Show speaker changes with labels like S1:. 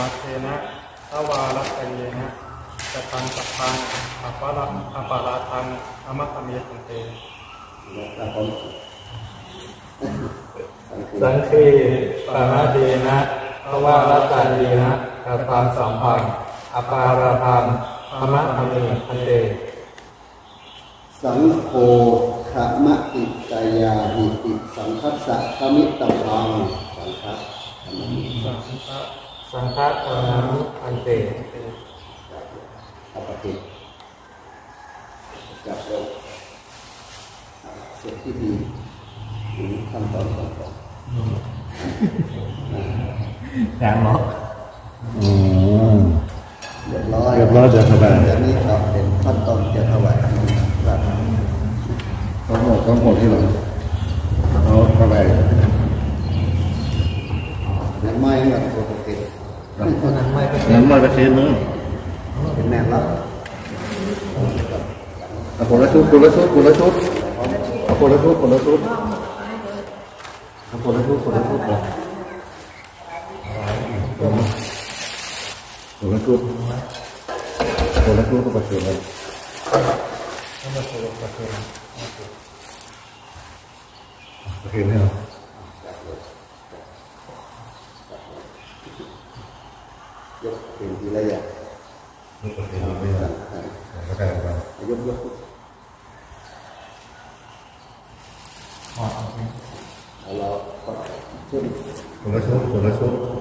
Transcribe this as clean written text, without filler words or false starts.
S1: มาเทนะทวารัตเยนะจะทังสัพพังอปาราทังอมัตตเมตันเตสังคีปานาเดนะทวารัตเยนะจะทังสัพพังอปาราทังอมัตตเมตันเต
S2: สังโฆขมะติกายาหิติสังคัสสะขมิตตังสังฆะ
S1: สังฆะธรรมิอันเต
S2: อปฏิจับเราเสร็จที่ดีถึงขั้นตอนต่อไป
S3: อย่างเนาะ
S2: เรียบร้อย
S3: เดี๋ยวสบาย
S2: จากนี้ก็เป็นขั้นตอนจะถวายครับ
S3: ต้องหมดที่หลังเอาเข้าไป
S2: ยังไม่แบบปกติ
S1: นั้นไม่เป็น
S3: น้ำมันกระเทียมนึง
S2: เป็นแม่รับ
S3: คนละชุดคนละชุดคนละชุดคนละชุดคนละชุดคนละชุดคนละชุดคนละชุดคนละชุดก็ประเสริฐเลยประเสริฐเนี่ย
S2: ยกเป็นทีละอย่าง
S3: ยกประเสริฐไม่ได้ก็ได้ครับ
S2: ยกเราชุด
S3: คนละชุดคนละชุด